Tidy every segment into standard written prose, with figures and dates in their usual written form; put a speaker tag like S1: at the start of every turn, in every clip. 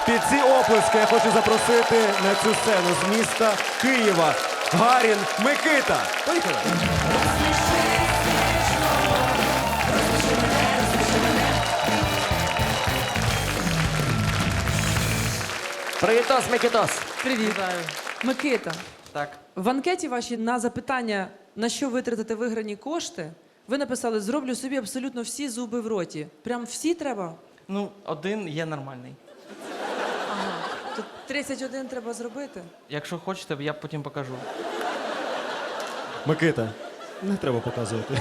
S1: Під ці оплески я хочу запросити на цю сцену з міста Києва Гарін Микита. Поїхали!
S2: Привітос, Микитос.
S3: Привіт. Микита,
S2: Так.
S3: в анкеті вашій на запитання, на що витратити виграні кошти, ви написали «Зроблю собі абсолютно всі зуби в роті». Прям всі треба?
S2: Ну, один є нормальний.
S3: Ага. Тут 31 треба зробити?
S2: Якщо хочете, я потім покажу.
S1: Микита, не треба показувати.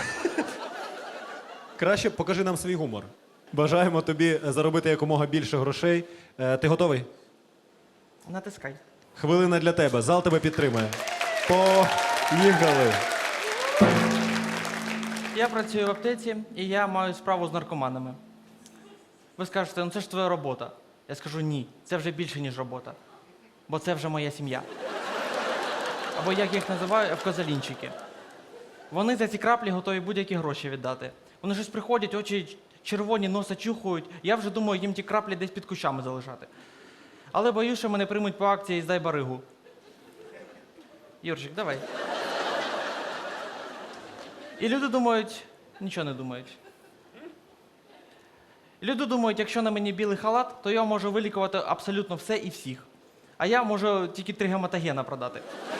S1: Краще покажи нам свій гумор. Бажаємо тобі заробити якомога більше грошей. Ти готовий?
S2: Натискай.
S1: Хвилина для тебе. Зал тебе підтримує. Поїхали.
S2: Я працюю в аптеці і я маю справу з наркоманами. Ви скажете, ну це ж твоя робота. Я скажу ні, це вже більше, ніж робота. Бо це вже моя сім'я. Або як я їх називаю, евкозалінчики. Вони за ці краплі готові будь-які гроші віддати. Вони щось приходять, очі червоні, носа чухають. Я вже думаю, їм ті краплі десь під кущами залишати. Але боюсь, що мене приймуть по акції «Здай баригу». Юрчик, давай. І люди думають, нічого не думають. Люди думають, якщо на мені білий халат, то я можу вилікувати абсолютно все і всіх. А я можу тільки 3 гематогена продати.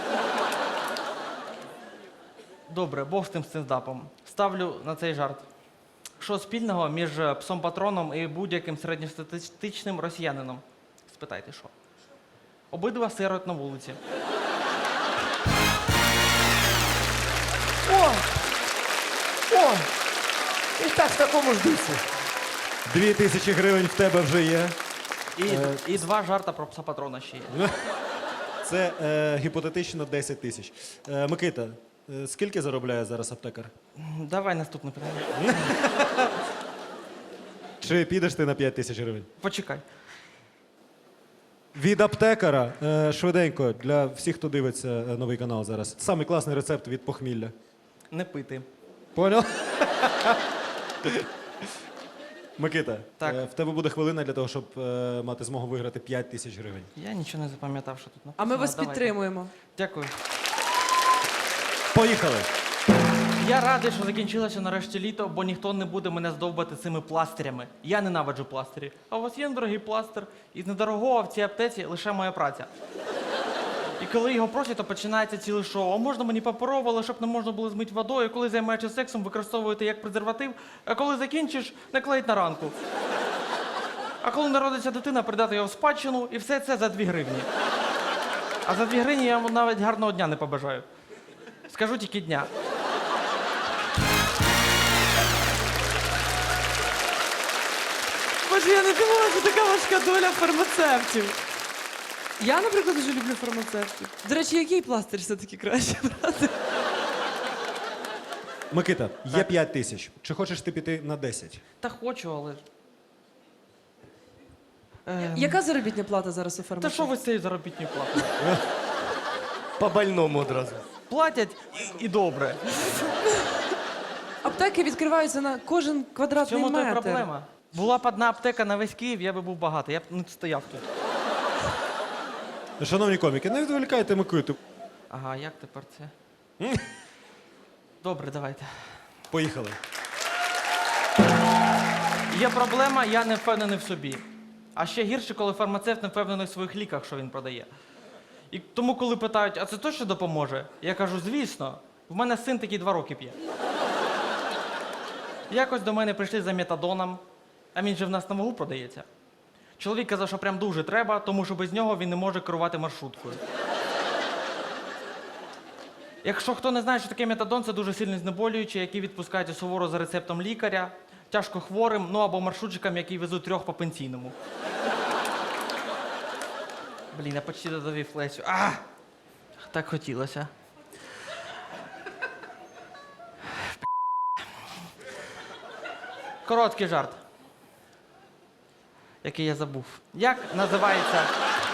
S2: Добре, Бог з тим стендапом. Ставлю на цей жарт. Що спільного між псом-патроном і будь-яким середньостатистичним росіянином? Спитайте, що? Обидва сирот на вулиці.
S4: О! О! І так в такому ж дусі.
S1: 2000 гривень в тебе вже є.
S2: І 2 жарта про пса-патрона ще є.
S1: Це гіпотетично 10 тисяч. Микита, скільки заробляє зараз аптекар?
S2: Давай наступне питання.
S1: Чи підеш ти на 5 тисяч гривень?
S2: Почекай.
S1: Від аптекара, швиденько, для всіх, хто дивиться новий канал зараз. Самий класний рецепт від похмілля.
S2: Не пити.
S1: Понял? Микита,
S2: Так.
S1: в тебе буде хвилина для того, щоб мати змогу виграти 5 тисяч гривень.
S2: Я нічого не запам'ятав, що тут написано.
S3: А ми вас
S2: Давайте.
S3: підтримуємо.
S2: Дякую.
S1: Поїхали!
S2: Я радий, що закінчилося нарешті літо, бо ніхто не буде мене здовбати цими пластирями. Я ненавиджу пластирі. А у вас є дорогий пластир? Із недорогого в цій аптеці лише моя праця. І коли його просять, то починається ціле шоу. А можна мені паперово, але щоб не можна було змити водою. Коли займаєшся сексом, використовуєте як презерватив, а коли закінчиш, наклеїть на ранку. А коли народиться дитина, придати його в спадщину, і все це за 2 гривні. А за 2 гривні я вам навіть гарного дня не побажаю. Скажу тільки дня.
S3: Боже, я не думала, що така важка доля фармацевтів. Я, наприклад, дуже люблю фармацевтів. До речі, який пластир все-таки краще брати?
S1: Микита, є 5 тисяч. Чи хочеш ти піти на 10?
S2: Та хочу, але.
S3: Яка заробітна плата зараз у
S2: Та
S3: фармацевтів?
S2: що ви з цією заробітною платою?
S4: По больному одразу.
S2: Платять і добре.
S3: Аптеки відкриваються на кожен
S2: В
S3: квадратний
S2: чому то
S3: метр.
S2: проблема? Була б одна аптека на весь Київ, я би був багатий, я б не стояв тут.
S1: Шановні коміки, не відволікайте Микиту.
S2: Ага, як тепер це? Добре, давайте.
S1: Поїхали.
S2: Є проблема, я не впевнений в собі. А ще гірше, коли фармацевт не впевнений в своїх ліках, що він продає. І тому, коли питають, а це точно допоможе? Я кажу, звісно, в мене син такий 2 роки п'є. Якось до мене прийшли за метадоном, а він же в нас на вагу продається. Чоловік казав, що прям дуже треба, тому що без нього він не може керувати маршруткою. Якщо хто не знає, що таке метадон, це дуже сильно знеболюючий, який відпускається суворо за рецептом лікаря, тяжко хворим, ну або маршрутчикам, які везуть 3 по пенсійному. Блін, я почти додавив Лесю. А! Так хотілося. Короткий жарт, який я забув. Як називається?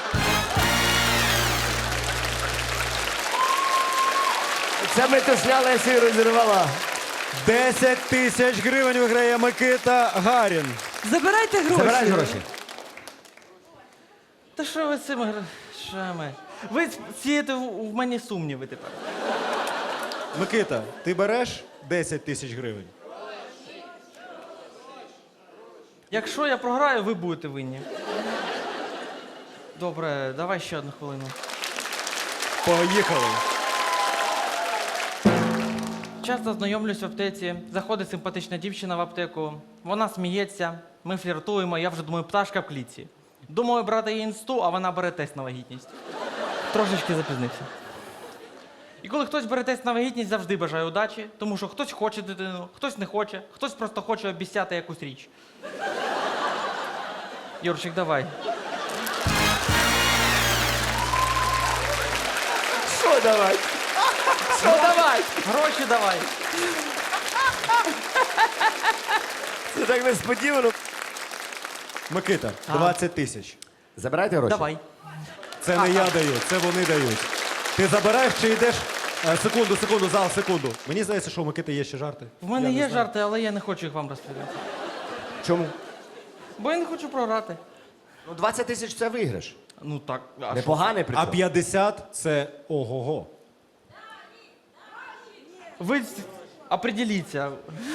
S4: Це ми тушня Лесі розірвала.
S1: 10 тисяч гривень виграє Микита Гарін.
S3: Забирайте гроші.
S4: Забирай гроші.
S2: Та що ви з цими грошами? Ви сієте в мені сумніви тепер.
S1: Микита, ти береш 10 тисяч гривень?
S2: Якщо я програю, ви будете винні. Добре, давай ще одну хвилину.
S1: Поїхали.
S2: Часто знайомлюсь в аптеці, заходить симпатична дівчина в аптеку, вона сміється, ми фліртуємо, я вже думаю, пташка в клітці. Думаю брати її інсту, а вона бере тест на вагітність. Трошечки запізнився. І коли хтось бере тест на вагітність, завжди бажаю удачі, тому що хтось хоче дитину, хтось не хоче, хтось просто хоче обіцяти якусь річ. Юрчик, давай.
S4: Що давай? Що давай?
S2: Гроші давай.
S4: Це так несподівано.
S1: Микита,
S2: А.
S1: 20 тисяч.
S4: Забирайте гроші?
S2: Давай.
S1: Це не я даю, це вони дають. Ти забираєш чи йдеш? Секунду, зал, секунду. Мені здається, що у Микити є ще жарти.
S2: В мене
S1: Я не
S2: є
S1: знаю.
S2: жарти, але я не хочу їх вам розповідати.
S4: Чому?
S2: Бо я не хочу програти.
S4: Ну, 20 тисяч це виграш.
S2: Ну так. А що?
S4: Непоганий при
S1: А
S4: цьому.
S1: 50 це ого-го.
S2: Ви определіться.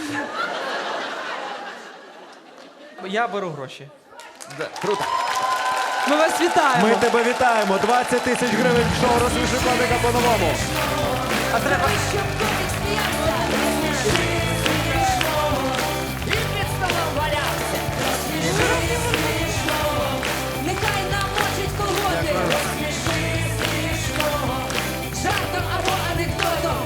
S2: Я беру гроші.
S4: Да, круто.
S3: Ми вас вітаємо.
S1: Ми тебе вітаємо. 20 тисяч гривень в шоу «Розсміши коміка по-новому».
S2: А треба.
S5: Щоб котик сміявся, і під столом валявся. Розсміши смішного, нехай намочить колготи. Розсміши смішного, жартом або анекдотом.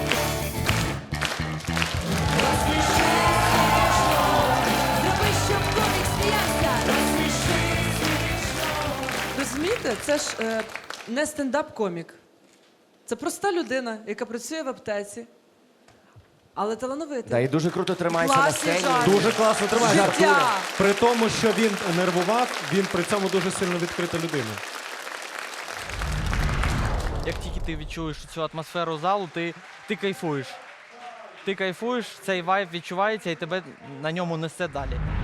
S5: Розсміши смішного, зроби, щоб котик сміявся. Розсміши смішного.
S3: Розумієте, це ж не стендап-комік. Це проста людина, яка працює в аптеці, але талановита.
S4: Да, і дуже круто тримається на
S3: Класний
S4: сцені.
S3: жарт.
S1: Дуже класно тримає.
S3: Життя.
S1: При тому, що він нервував, він при цьому дуже сильно відкрита людина.
S2: Як тільки ти відчуєш цю атмосферу залу, ти кайфуєш. Ти кайфуєш, цей вайб відчувається і тебе на ньому несе далі.